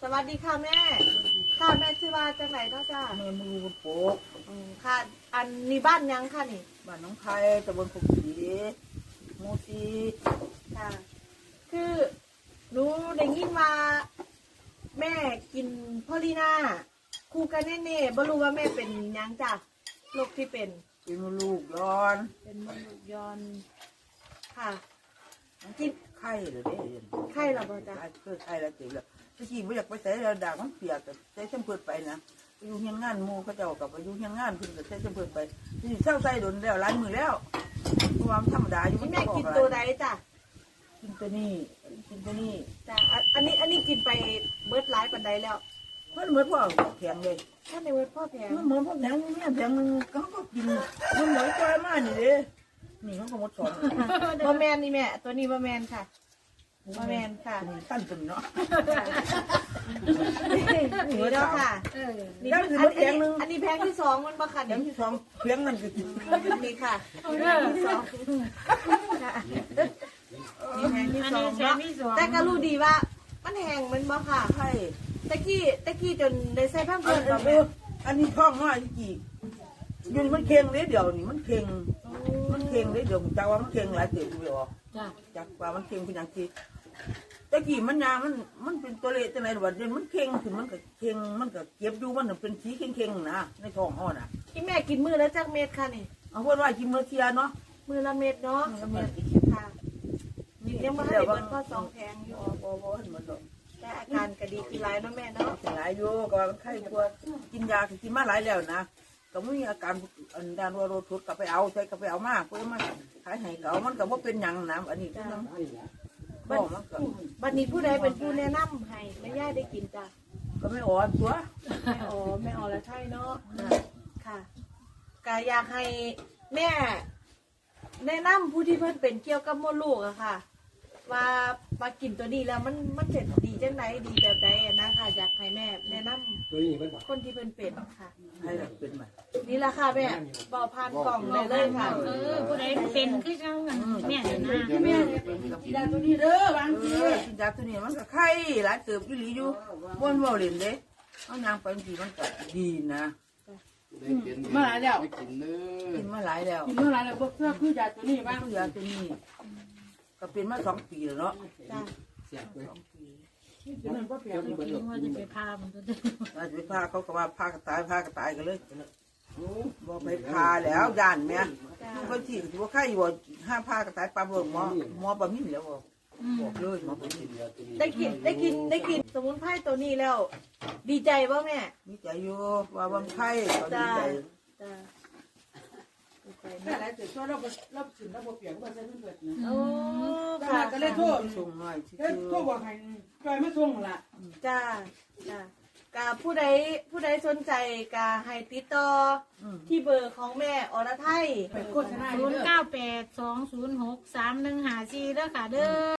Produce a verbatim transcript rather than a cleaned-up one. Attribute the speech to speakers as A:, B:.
A: สวัสดีค่ะแม่ค่ะแม่ชื่อว่าจังไหนเนาะจ้า
B: แม่มือโป๊ก
A: อืมค่ะ อันนี้บ้านยังค่ะนี่
B: บ้านน้องไผ่ตำบลปุกศรีหมู่สี่
A: ค่ะ คือหนูได้ยินว่าแม่กินพอลีน่าคู่กันแน่ๆบ่รู้ว่าแม่เป็นหยังจ้ะโรคที่เป็น
B: เป็นมดลูกย้อน
A: เป็นมะเร็งย้อนค่ะกิน
B: ไข้เหรอเด้เรียน
A: ไข้เหรอบ่จ๊ะ
B: เกิดไข้แล้วเจ็บแล้วตะกี้ไม่อยากไปใส่แล้วด่างมันเปียกแต่ใส่เส้นเปิดไปนะไปอยู่เฮียนงานหมู่เขาเจ้ากับไปอยู่เฮียนงานเพิ่นก็ใส่เส้นเปิดไปนี่เศร้าใส่โดนแล้วหลายมือแล้วความธรรมดาอยู่
A: นี่แม่กินตัวใดจ้ะ
B: กินตัวนี้กินตัวนี้
A: จ้ะอันอันนี้อันนี้กินไปเบิดหลายปันใดแล้ว
B: มันเหมือนพ่อแข็งเลย
A: ถ้าในเว็บพ่อแพง
B: มันเหมือนพ่อแข็งเนี่ยแข็งนึงเขาก็กินมันเหมือนจอยมากนี่เด้นี่เขาก็หมดสอน
A: บะแมนนี่แม่ตัวนี้บะแมนค่ะบะแมนค่ะ
B: ตั้นตุนเนาะ
A: นี่แล้วค่ะ
C: เออ
A: นี่
B: แล้ว
A: อัน
B: คือ
A: นี้
B: รถแข็งนึง
A: อันนี้แพงที่สองมันบะค่ะ
B: แข็ง
A: นี่
B: ที่สองเพียงนั่นก็กิน
A: นี่ค่ะแพงที่สองค่ะนี่แพงที่
C: อัน
A: สอ
C: นี้
A: ง
C: แซม
A: เนาะ
C: มี่สอง
A: แต่ก็รู้ดีว่า มันแห้งมันบ่ค่ะ
B: ใช่
A: ตะกี้ตะกี้จนได้ใส่ผ้า
B: อั
A: เพื่อน น
B: นี้
A: แม่
B: อันนี้ท้องน้อยกี่ยุนมันเค็งเลยเดี๋ยวนี่มันเค็งมันเค็งเลยเดี๋ยวจากว่ามันเค็งหลายเติบอยู่อ่ะ
C: จ้ะ
B: จากว่ามันเค็งเป็นอย่างที่ตะกี้มันยามันมันเป็นตัวเละจังไหนวะเดี๋ยวมันเค็งถึงมันก็เค็งมันก็เก็บอยู่มันเป็นสีเค็งๆนะในท้องห่อน่ะ
A: ที่แม่กินมือแล้วจักเม็ดค่ะนี่
B: เอาพูดว่ากินเมื่อเทียเนาะ
A: มือละเม็ดเนาะ
B: แล้วมัน
A: ค่ะยังบ่ทันได้เบิดข้อสองแพงอยู่
B: บ่บ่เห็นมันดอก
A: แต่อาการก็ดีขึ้นหลายเนาะแม่เนาะ
B: หลายอยู่ก็ว่ามันไข้กลัวกินยาก็กินมาหลายแล้วนะก็ไม่มีอาการอันด้านว่าโรทุดก็ไปเอาใช้ก็ไปเอามากเพื่อมาขายให้เขามันก็บ่เป็นหยังนะอันนี้คือน้ำบ่มันก็
A: บัดนี้ผู้ใดเป็นผู้แนะนำให้แม่ย่าได้กินจ้ะ
B: ก็ไม่อ่อนตัว
A: แม่อ๋อแม่อ๋อแล้วใช่เนาะค่ะก็อยากให้แม่แนะนำผู้ที่เพิ่นเป็นเกี่ยวกับมดลูกอะค่ะ ว่ามากินตัวนี้แล้วมันมันเสร็จดีจังไหนดีแบบใดอะนะคะอยากให้แม่แนะนำคนที่เพิ่นเป็นค่ะ
B: ให้เราเป็นมา
A: นี่แหละค่ะแม่เบาพานกล่องเลยเลยค่ะ
C: เออผู้ใดเป็นคือเจ้ากันแม่เนี่ยนะ
B: แม่กินยาตัวนี้เด้อบางทีกินยาตัวนี้มันก็ไข้หลายเติบอยู่หลีอยู่บ่นบ่เล่นเด้เอานางไปบางทีมันก็ดีนะ
D: มาหลายแล้ว
B: กินมาหลายแล้ว
D: กินเมื่อไรแล้วพวกเสื้อคือยาตัวนี้บ้าง
B: คือยาตัวนี้ก็เป็นมาสองปีแล้วเนาะ
A: จ้ะ
B: สองปี
D: กินมันก็เปลี่ยน
C: ว่าจะไปพามันตัวเดียว
B: อาจจะไปพาเขาก็ว่าพากระตายพากระตายกันเลยบอกไปพาแล้วย่านแม่คนที่ถือว่าไข้บ่ห้าพากระตายปลาเบิ่งหมอหมอปลามิ่นแล้วบอกเลยหมอปลามิ่น
A: ได้กินได้กินได้กินสมุนไพรตัวนี้แล้ว ดีใจป่ะแม่
B: มีใจอยู่ว่าบางไข้เขาดี
A: จ้า
B: ใจ
A: จ้าดีใจ
D: แต่
A: มาก
D: หลายจุดช่วยเราเราสินเราเปลี่ยนก็ใช้เพื่อนนะ
A: โอ้
D: ข
A: ค่ะ
D: นาดก็เลยโทษ
B: ส่งหน่อยที่
D: เอ้ยโทษบอกให้จอยไม่ส่งละ
A: จ้าจ้ากาผู้ใดผู้ใดสนใจกาให้ติดต่อที่เบอร์ของแม่อรไทย
D: ไปโฆษณา
C: ศูนย์เก้าแปดสองศูนย์หกสามหนึ่งห้าสี่เด้อค่ะเด้อ